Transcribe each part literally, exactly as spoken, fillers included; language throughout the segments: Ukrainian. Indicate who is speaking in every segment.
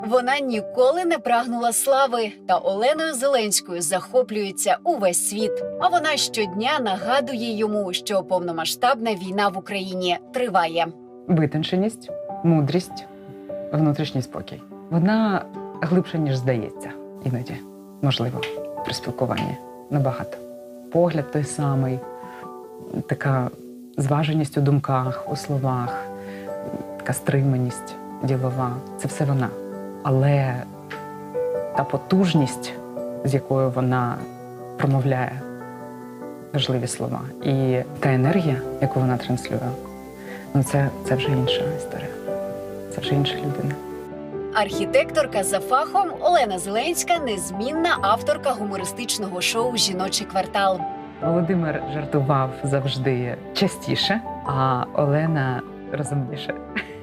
Speaker 1: Вона ніколи не прагнула слави, та Оленою Зеленською захоплюється увесь світ. А вона щодня нагадує йому, що повномасштабна війна в Україні триває.
Speaker 2: Витонченість, мудрість, внутрішній спокій. Вона глибша, ніж здається. Іноді, можливо, при спілкуванні. Набагато. Погляд той самий, така зваженість у думках, у словах, така стриманість ділова. Це все вона. Але та потужність, з якою вона промовляє важливі слова, і та енергія, яку вона транслює, ну це, це вже інша історія. Це вже інша людина.
Speaker 1: Архітекторка за фахом Олена Зеленська – незмінна авторка гумористичного шоу «Жіночий квартал».
Speaker 2: Володимир жартував завжди частіше, а Олена розумніше.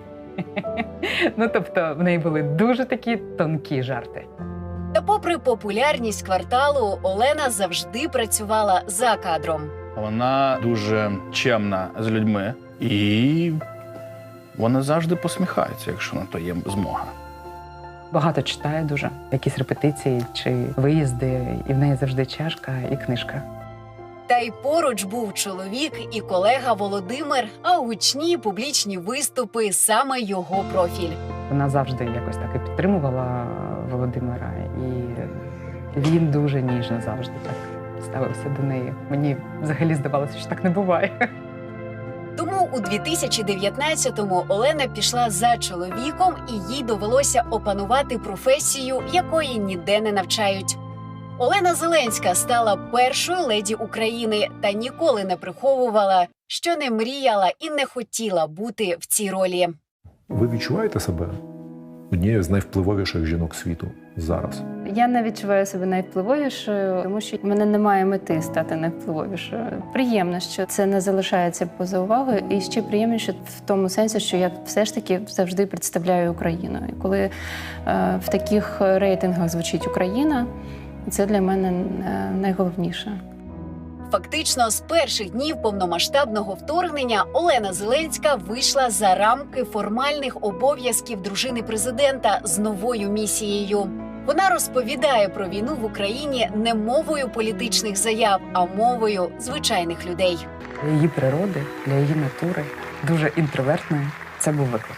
Speaker 2: Ну, тобто, в неї були дуже такі тонкі жарти.
Speaker 1: Та попри популярність кварталу, Олена завжди працювала за кадром.
Speaker 3: Вона дуже чемна з людьми і вона завжди посміхається, якщо на то є змога.
Speaker 2: Багато читає дуже, якісь репетиції чи виїзди, і в неї завжди чашка і книжка.
Speaker 1: Та й поруч був чоловік і колега Володимир, а гучні публічні виступи – саме його профіль.
Speaker 2: Вона завжди якось так і підтримувала Володимира, і він дуже ніжно завжди так ставився до неї. Мені взагалі здавалося, що так не буває.
Speaker 1: Тому у дві тисячі дев'ятнадцятому Олена пішла за чоловіком, і їй довелося опанувати професію, якої ніде не навчають. Олена Зеленська стала першою леді України та ніколи не приховувала, що не мріяла і не хотіла бути в цій ролі.
Speaker 4: Ви відчуваєте себе однією з найвпливовіших жінок світу зараз?
Speaker 5: Я не відчуваю себе найвпливовішою, тому що в мене немає мети стати найвпливовішою. Приємно, що це не залишається поза увагою, і ще приємніше в тому сенсі, що я все ж таки завжди представляю Україну. І коли е, в таких рейтингах звучить Україна, це для мене найголовніше.
Speaker 1: Фактично, з перших днів повномасштабного вторгнення Олена Зеленська вийшла за рамки формальних обов'язків дружини президента з новою місією. Вона розповідає про війну в Україні не мовою політичних заяв, а мовою звичайних людей.
Speaker 2: Для її природи, для її натури, дуже інтровертної, це був виклик.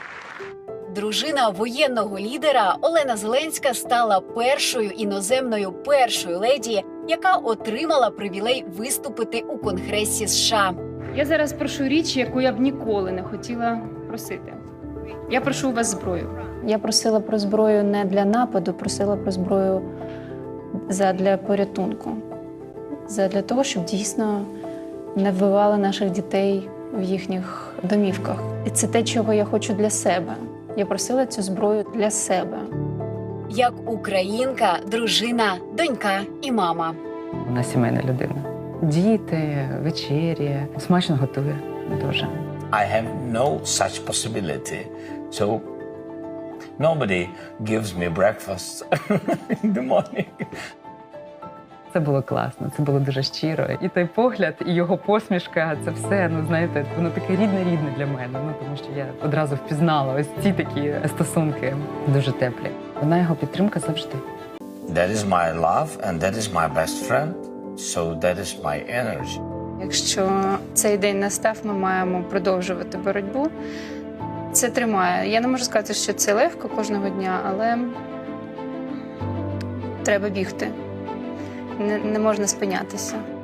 Speaker 1: Дружина воєнного лідера Олена Зеленська стала першою іноземною першою леді, яка отримала привілей виступити у Конгресі США.
Speaker 5: Я зараз прошу річ, яку я б ніколи не хотіла просити. Я прошу у вас зброю. Я просила про зброю не для нападу, просила про зброю задля порятунку. Задля того, щоб дійсно не вбивали наших дітей в їхніх домівках. І це те, чого я хочу для себе. Я просила цю зброю для себе.
Speaker 1: Як українка, дружина, донька і мама.
Speaker 2: Вона сімейна людина. Діти, вечері, смачно готує дуже.
Speaker 6: I have no such possibility. So nobody gives me breakfast in the morning.
Speaker 2: Це було класно, це було дуже щиро. І той погляд, і його посмішка, це все, ну знаєте, воно таке рідне-рідне для мене. Ну тому що я одразу впізнала ось ці такі стосунки, дуже теплі. Вона його підтримка завжди.
Speaker 6: That is my love and that is my best friend. So that is my energy.
Speaker 5: Якщо цей день настав, ми маємо продовжувати боротьбу. Це тримає. Я не можу сказати, що це легко кожного дня, але треба бігти. Не, не можна спинятися.